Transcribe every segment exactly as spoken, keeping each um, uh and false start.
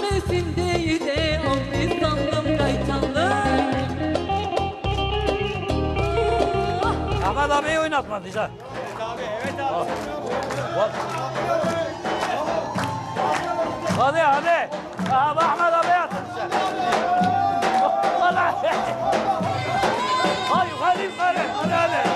Mesildeydi onu sandım kaytanlı. Ahmet abiyi oynatmadıyız ha. Evet abi, evet abi. Hadi hadi. Aha, Ahmet abiye atın sen. Vallahi. Hadi yukarı yukarı. Hadi hadi.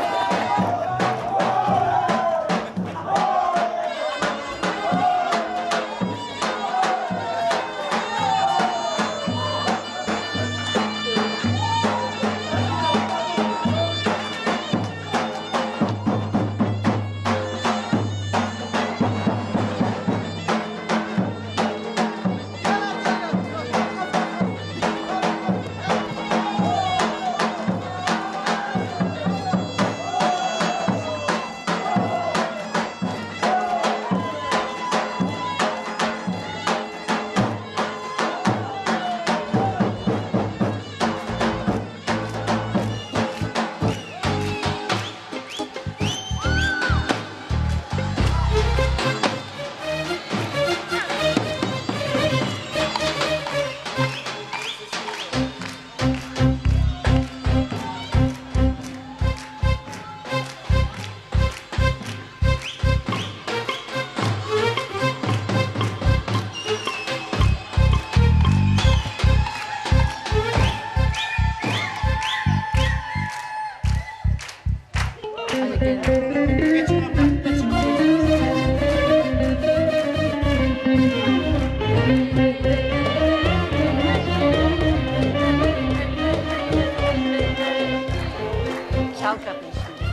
Çal kapıyı şimdi.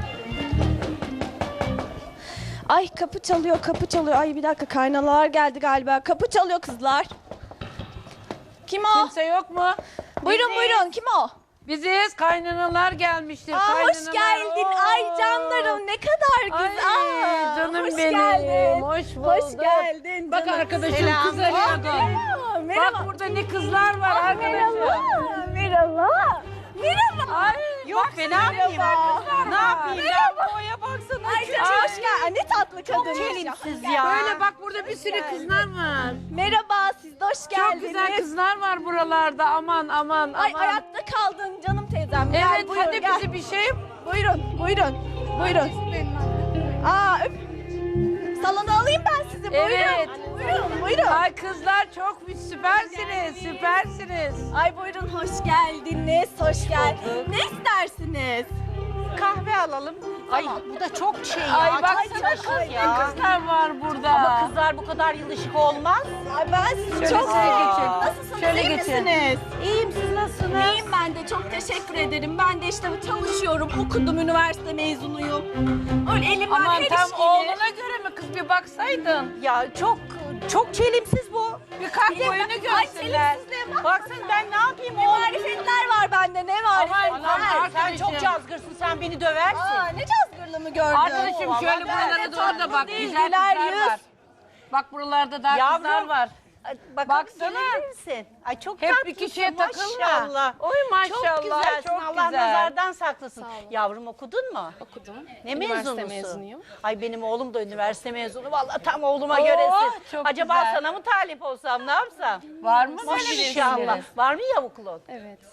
Ay kapı çalıyor, kapı çalıyor. Ay bir dakika kaynalar geldi galiba. Kapı çalıyor kızlar. Kim o? Kimse yok mu? Buyurun Biziz. buyurun kim o? Biziz, kaynanalar gelmiştir. Aa, kaynanalar. hoş geldin. Oo. Ay canlarım ne kadar Ay, güzel. Aa, canım hoş benim. Geldin. Hoş bulduk. Hoş geldin. Bak canım. arkadaşım Selam. kız arıyordun. Aa, merhaba. Bak burada ne kızlar var Aa, arkadaşım. merhaba. Merhaba. Merhaba. Ay, Yok be ne yapayım? Ne yapayım ben? Boya baksana. Ay canım hoş geldin. Ay, ne tatlı kadın. Çelimsiz ya. Böyle bak burada bir sürü kızlar var. Merhaba siz de hoş geldiniz. Çok güzel kızlar var buralarda. Aman aman Ay aman. ayakta kaldın canım teyzem. Gel, Evet buyurun, hadi gel. bizi bir şey. Buyurun, buyurun, buyurun. Aa, öp. Salona alayım ben sizi. Buyurun. Evet. Buyurun, buyurun. Ay, Ay kızlar çok süpersiniz. Süpersiniz. ay buyurun, hoş geldiniz. Hoş geldiniz. Ne istersiniz? Kahve alalım. Ay bu da çok şey ya. Ay çok baksana yılışık kız ne ya. kızlar var burada. Ama kızlar bu kadar yılışık olmaz. Ay ben sizi Şöyle çok şöyle seviyorum. geçin. Nasılsınız? Şöyle iyi geçin. misiniz? İyiyim siz nasılsınız? İyiyim ben de. Çok teşekkür ederim. Ben de işte çalışıyorum. Okudum. Üniversite mezunuyum. Öyle elimden Aman her tam iş gelir. oğluna göre mi kız bir baksaydın. Ya çok çok çelimsiz bu. Bir kalk boyunu Ay görsünler. çelimsizliğe bak. Baksana ben ne yapayım Ne oğlum? marifetler var bende. Ne Aman, marifetler. aman, Sen arkadaşım. çok cazgırsın sen beni döversin. Aa, ne cazgırlı mı gördün? Arkadaşım Oo, şöyle vallahi buralara ben de doğru da tatlı bak. değil, Güzel güler kızlar yüz. var. Bak buralarda daha Yavrum. kızlar var. Ay, Bakalım Baksana. gelir misin? Ay çok Hep tatlısın, bir kişiye takılma. maşallah. Oy maşallah, Çok güzelsin. çok Allah güzel. nazardan saklasın. Yavrum okudun mu? Okudum. Ne Üniversite mezunusun? mezunuyum. Ay benim oğlum da üniversite mezunu. Vallahi tam oğluma Oo, göresin. çok Acaba güzel. sana mı talip olsam ne yapsam? Var mı böyle bir İnşallah. şeyleri? Var mı yavuklun? Evet.